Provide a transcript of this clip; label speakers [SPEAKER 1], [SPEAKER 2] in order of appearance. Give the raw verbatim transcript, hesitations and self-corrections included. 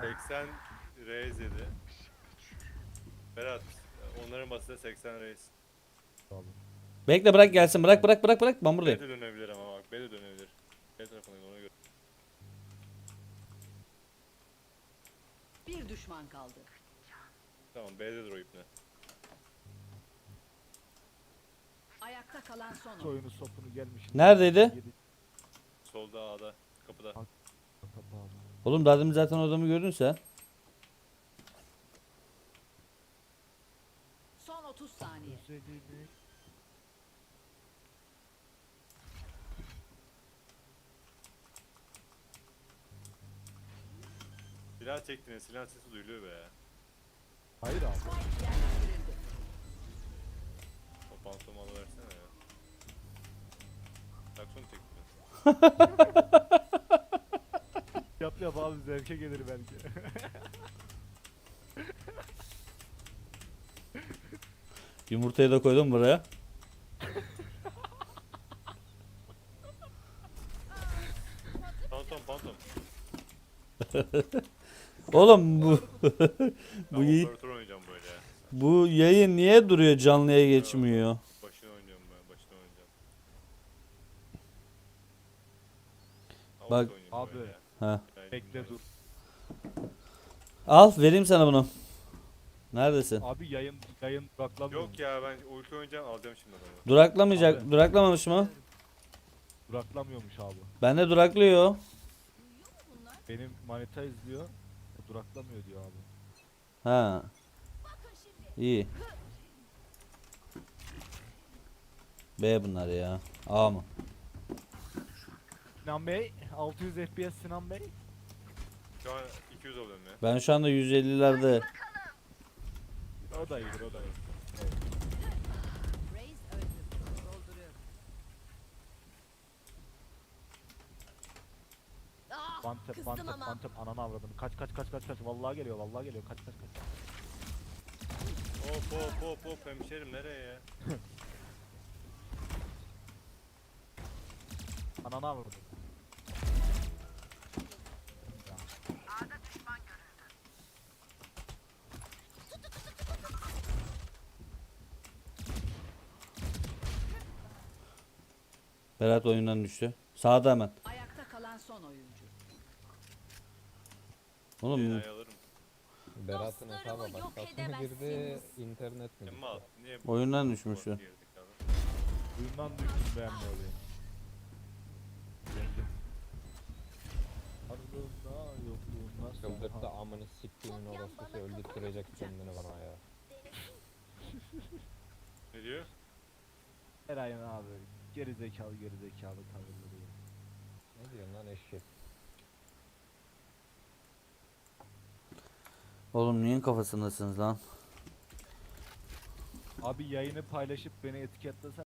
[SPEAKER 1] seksen reis yedi. Berat onların basında seksen reis.
[SPEAKER 2] Bekle bırak gelsin. Bırak bırak bırak bırak. Ben
[SPEAKER 1] B
[SPEAKER 2] buradayım.
[SPEAKER 1] de dönebilir ama bak B de dönebilir. B tarafındayım ona göre.
[SPEAKER 3] Bir düşman kaldı.
[SPEAKER 1] Tamam B'dedir o ipne.
[SPEAKER 3] Ayakta kalan son oyun.
[SPEAKER 4] Oyunu sopunu gelmiş.
[SPEAKER 2] Neredeydi?
[SPEAKER 4] Yedi-
[SPEAKER 1] Solda A'da kapıda.
[SPEAKER 4] Kapağı.
[SPEAKER 2] Oğlum daha demin zaten o adamı gördün sen.
[SPEAKER 3] Son otuz saniye.
[SPEAKER 4] Güzelini.
[SPEAKER 1] Silah çektiniz silah sesi duyuluyor be.
[SPEAKER 4] Hayır abi.
[SPEAKER 3] Spike yerleştirildi.
[SPEAKER 1] O pantolonu alıversene ya. Takson çektiniz.
[SPEAKER 4] Yap yap abi zevke gelir belki.
[SPEAKER 2] Yumurtayı da koydum buraya.
[SPEAKER 1] Pantom pantom.
[SPEAKER 2] Oğlum bu
[SPEAKER 1] Ben
[SPEAKER 2] bu, y-
[SPEAKER 1] operatör oynayacağım böyle ya.
[SPEAKER 2] bu yayın niye duruyor, canlıya geçmiyor?
[SPEAKER 1] Başını oynayacağım ben başını oynayacağım. Ha,
[SPEAKER 2] Bak-
[SPEAKER 1] orta oynayayım
[SPEAKER 4] Abi.
[SPEAKER 1] böyle ya.
[SPEAKER 2] Ha.
[SPEAKER 1] Yani
[SPEAKER 4] Bekle dur.
[SPEAKER 2] Al vereyim sana bunu. Neredesin?
[SPEAKER 4] Abi yayın yayın duraklamıyor.
[SPEAKER 1] Yok ya ben ulti oynayacağım alacağım şimdi adamı.
[SPEAKER 2] Duraklamayacak.
[SPEAKER 4] Abi.
[SPEAKER 2] Duraklamamış mı?
[SPEAKER 4] Duraklamıyormuş abi.
[SPEAKER 2] Bende duraklıyor.
[SPEAKER 4] Benim manita izliyor. O duraklamıyor diyor abi.
[SPEAKER 2] Ha. İyi. B bunlar ya. A mı?
[SPEAKER 4] Sinan Bey, altı yüz F P S Sinan Bey.
[SPEAKER 1] Şu an iki yüz alıyorum ya.
[SPEAKER 2] Ben şu anda yüz ellilerde.
[SPEAKER 4] O da iyidir, o da iyi.
[SPEAKER 3] Reis öldü. Dolduruyorum. Ah,
[SPEAKER 4] One tap,
[SPEAKER 3] kızdım
[SPEAKER 4] one tap,
[SPEAKER 3] ama.
[SPEAKER 4] one tap. Ananı avradını. Kaç kaç kaç kaç kaç. Vallahi geliyor, vallahi geliyor. Kaç kaç kaç.
[SPEAKER 1] Hop hop hop hop hemşerim nereye ya?
[SPEAKER 4] Ananı avradını.
[SPEAKER 2] Berat oyundan düştü. Sağda hemen.
[SPEAKER 3] Ayakta kalan son oyuncu.
[SPEAKER 2] Oğlum
[SPEAKER 1] Binayı alırım.
[SPEAKER 5] Berat'ın hesaba
[SPEAKER 3] yok
[SPEAKER 5] başkası mı girdi, internet mi?
[SPEAKER 1] Emma al. Niye?
[SPEAKER 2] oyundan düşmüş şu.
[SPEAKER 1] Girdik abi.
[SPEAKER 4] Duyumdan düştüm beğenme olayım. Yendim. Ardında yokluğunda
[SPEAKER 5] Çıldırttı
[SPEAKER 4] sonra.
[SPEAKER 5] amını siktiğimin orası öldürtecek kendini bana ya.
[SPEAKER 1] Ne diyor?
[SPEAKER 4] Eray'ın abi. Geri zekalı geri zekalı tavırları. ya.
[SPEAKER 5] Ne diyorsun lan eşek?
[SPEAKER 2] Oğlum neyin kafasındasınız lan?
[SPEAKER 4] Abi yayını paylaşıp beni etiketlesen